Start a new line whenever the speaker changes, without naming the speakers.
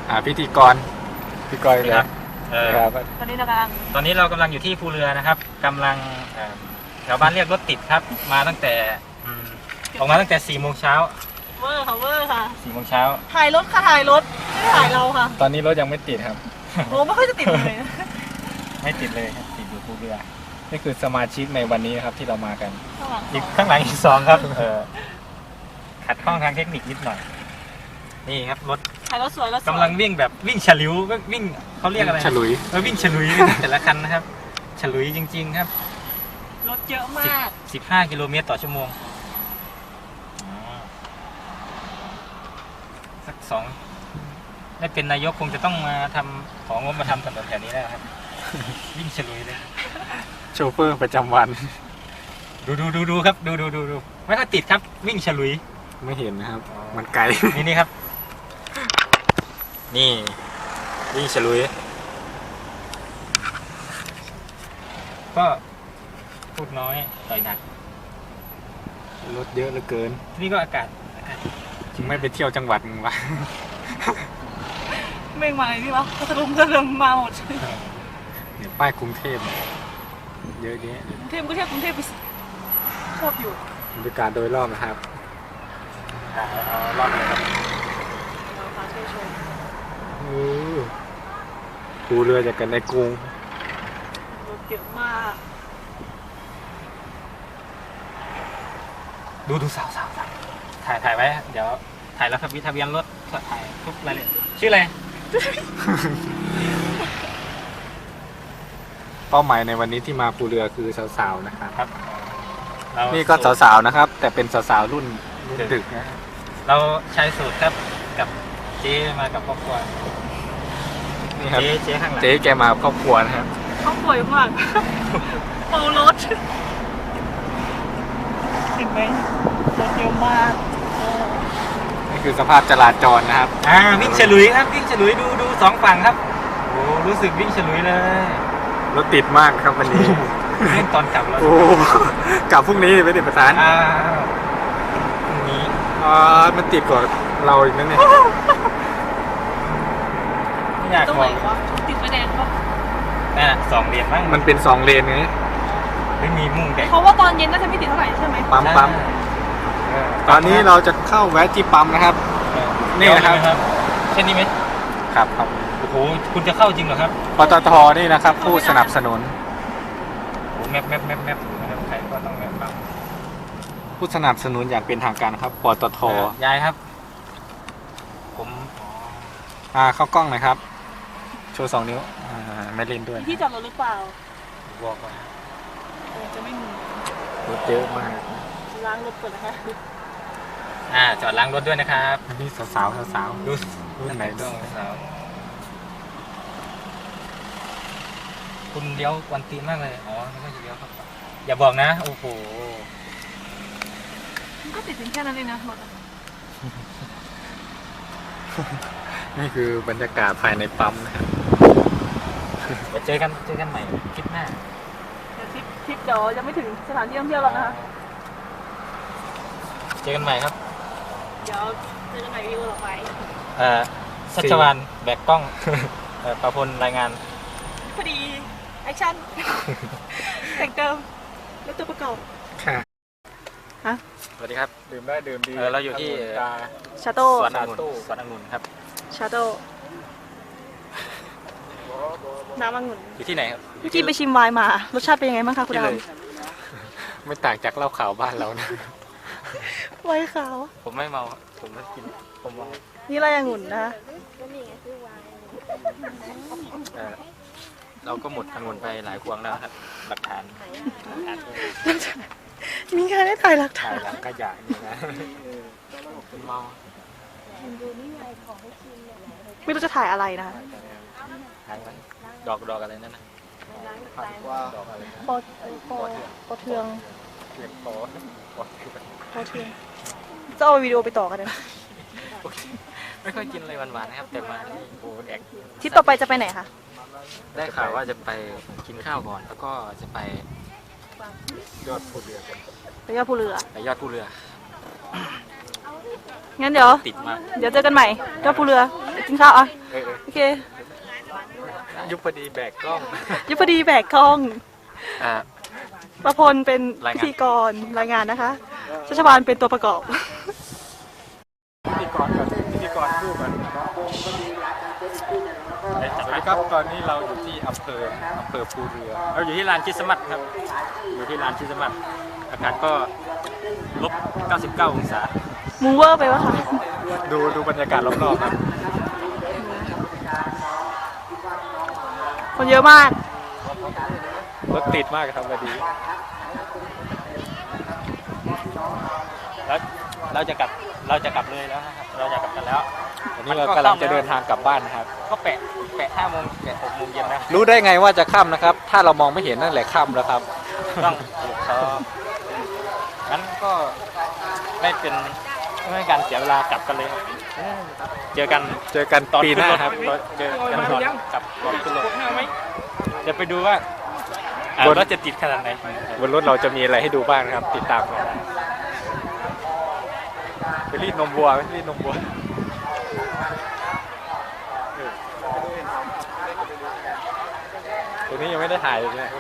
พิธีกรเลยครับ
ตอนนี้เรากำลังอยู่ที่ภูเรือนะครับกำลังแถวบ้านเรียกรถติดครับมาตั้งแต่ออกมาตั้งแต่4 โมงเช้า
เวอร์ค่ะ
4 โมงเช้า
ถ่ายรถค่ะถ่ายรถไม่ได้ถ่ายเราค่ะ
ตอนนี้รถยังไม่ติดครับ
โอ้ไม่ค่อยจะติดเลย
ไม่ติดเลยครับติดอยู่ภูเรือ
นี่คือสมาชิกในวันนี้ครับที่เรามากัน
อีกข้างหลังอีก2ครับขัดข้องทางเทคนิคนิดหน่อยนี่ครับรถ
ถ่ายรถสวย
กำลังวิ่งแบบวิ่งฉลุยก็วิ่งเขาเรียกอะไร
ฉลุย
วิ่งฉลุยแต่ละคันนะครับฉลุยจริงๆครับ
รถเยอะมาก
15 กิโลเมตรต่อชั่วโมงสัก2ได้เป็นนายกคงจะต้องมาของงบมาทำถนนแถวนี้แล้วครับวิ่งฉลุยเลย
โชเฟอร์ประจำวัน
ดูครับดูไม่ค่อยติดครับวิ่งฉลุย
ไม่เห็นนะครับมันไกล
นี่ครับนี่วิ่งฉลุยก็พูดน้อยต่อยหนัก
รถเยอะเหลือเกิน
ที่นี่ก็อากาศ
จึงไม่ไปเที่ยวจังหวัดมึงวะ
เม่งมาอะไรนี่วะพัทลุงก็เริ่มมาหมด
เนี่ยป้ายกรุงเทพเยอะแยะ
กรุงเทพไปชอบอยู่
บรรยากาศโดยรอบนะครับ
รอบเลยครับ
ภูเรือจากกันในกรุง
รถเยอะมาก
ดูสาวถ่ายไว้เดี๋ยวถ่ายแล้วทะเบียนรถถ่ายทุกรายละเอียดชื่ออะไร
เป้าหมายในวันนี้ที่มาภูเรือคือสาวๆนะครับนี่ก็
ส
าวๆนะครับแต่เป็นสาวๆรุ่นดึกนะ
เราใช้สูตรครับกับเจ๊มากับครอบครัว
นี่ครับ
เจ๊ข้างหลัง
เจ๊แกมาครอบครัวนะครับ
ครอบครัวมากโอ้รถเห็นไหมรถเยอะมาก
นี่คือสภาพจราจรนะครับ
วิ่งฉลุยครับวิ่งฉลุยดู2 ฝั่งครับโอ้รู้สึกวิ่งฉลุยเลย
รถติดมากครับวันนี้
เล่นตอนกลับแล้ว
กลับพรุ่งนี้ไม่ติดประธาน
พรุ่งนี้
มันติดกว่าเราอีกนั่นเนี่ย
ไม่อยากบอก
ติดไฟแดงปะ
2 เลนบ้าง
มันเป็น2 เลนไง
ไม่มีมุ่งแต่
เพราะว่าตอนเย็นน่าจะไม่ติดเท่าไหร่ใช่ไหม
ปั๊มตอนนี้เราจะเข้าแวะที่ปั๊มนะครับนี่นะครับ
เช่นนี้ไหม
ครับ
โอ้โหคุณจะเข้าจริงเหรอครับ
ปตทนี่นะครับผู้สนับสนุน
แมปใครก็ต้องแมปปั๊ม
ผู้สนับสนุนอย่างเป็นทางการครับปตท
ยายครับผม
เข้ากล้องหน่อยครับโชว์2 นิ้วไม่เล่นด้วย
ที่จอดรถหรือเปล่า
บอกก่อน
จะไม่มี
รถเยอะมาก
ล้างรถก่อนนะคะ
จอดล้างรถด้วยนะครับ
นี่สาว
ดู
ไหนด้วย
สาวคุณเลี้ยววันตีนมากเลยไม่ค่อยจะเลี้ยวครับอย่าบอกนะโอ้โห
มันก็ติดเพียงแค่นั้นเองนะรถ
นี่คือบรรยากาศภายในปั๊มนะครับ
เดี๋ยวเจอกันใหม่คลิปหน้า
ทริปเดี๋ยวยังไม่ถึงสถานที่ท่องเที่ยวหรอกนะคะ
เจอกันใหม่ครับ
เดี๋ยวเจอกันใหม่วิดีโอต่อไป
ชัชวาลแบกกล้องประพลรายงาน
พอดีแอคชั่นแต่งเติมแล้วตัวประกอบ
ค่ะ
ฮะ
สวัสดีครับ
ดื่มได้ดื่มดี
เราอยู่ที่
ชาโต้
สวนองุ่นครับ
ชาโต้น้ำองุ่น
อยู่ที่ไหนครับ
เมื่อกี้ไปชิมไวน์มารสชาติเป็นยังไงบ้างคะคุณดาว
ไม่ต่างจากเหล้าขาวบ้านเรานะ
ไวน์ขาว
ผมไม่เมาผมไม่กินผมเมา
นี่อะไรองุ่นนะ
เราก็หมดองุ่นไปหลายพวงแล้วครับหลักฐาน
มีการได้ถ่ายหลักฐาน
หลังขยะนี่นะ
เมา
ไม่รู้จะถ่ายอะไรนะคะ
ดอกอะไรนั่นนะ
ปอเทืองจะเอาวิดีโอไปต่อกันเลย
ไม่ค่อยกินอะไรหวานๆนะครับแต่มาที่โบแดก
ทริปต่อไปจะไปไหนคะ
ได้ข่าวว่าจะไปกินข้าวก่อนแล้วก็จะไป
ยอดภูเรือ
ไปยอดภูเรืองั้นเดี๋ยว
ติดมา
เดี๋ยวเจอกันใหม่ยอดภูเรือกินข้าวอ่ะ
เออ
โอเค
ยุพดีแบกกล้อง
ยุพดีแบกกล้อง
อ่า
ประพลเป็น
ราย
พิ
งาน
ธีกรรายงานนะคะชัชวานเป็นตัวประกอบ
พิธีกรก่อนพิธีกรคู่กันสวัสดีครับตอนนี้เราอยู่ที่อำเภอภูเรือ
เราอยู่ที่ลานคริสต์มาสครับ อยู่ที่ลานคริสต์มาสอากาศก็ลบ 99 องศา
มูเวอร์ไปวะคะ
ดูบรรยากาศรอบๆครับ
คนเยอะมาก
รถติดมากครับวันนี้
แล้วเราจะกลับเลยแล้วนะครับ เราจะกลับกันแล้ว
วันนี้เรากำลังจะเดินทางกลับบ้านนะครับ
ก็แปะ5 โมงแปะ 6 โมงเย็นนะ
รู้ได้ไงว่าจะค่ำนะครับ ถ้าเรามองไม่เห็นนั่นแหละค่ำแล้วครับ
ต้องงั้นก็ไม่เป็นการเสียเวลากลับกันเลยครับเจอกันตอน
ปีหน้าครับ
เจอกันตอนกลับก่อนขึ้นรถเดี๋ยวไปดูว่า
บน
รถจะติดขนาดไหน
บนรถเราจะมีอะไรให้ดูบ้างนะครับ ติดตามกันไปรีดนมวัวไปรีดนมวัวตัวนี้ยังไม่ได้ถ่ายเลยเนี่ย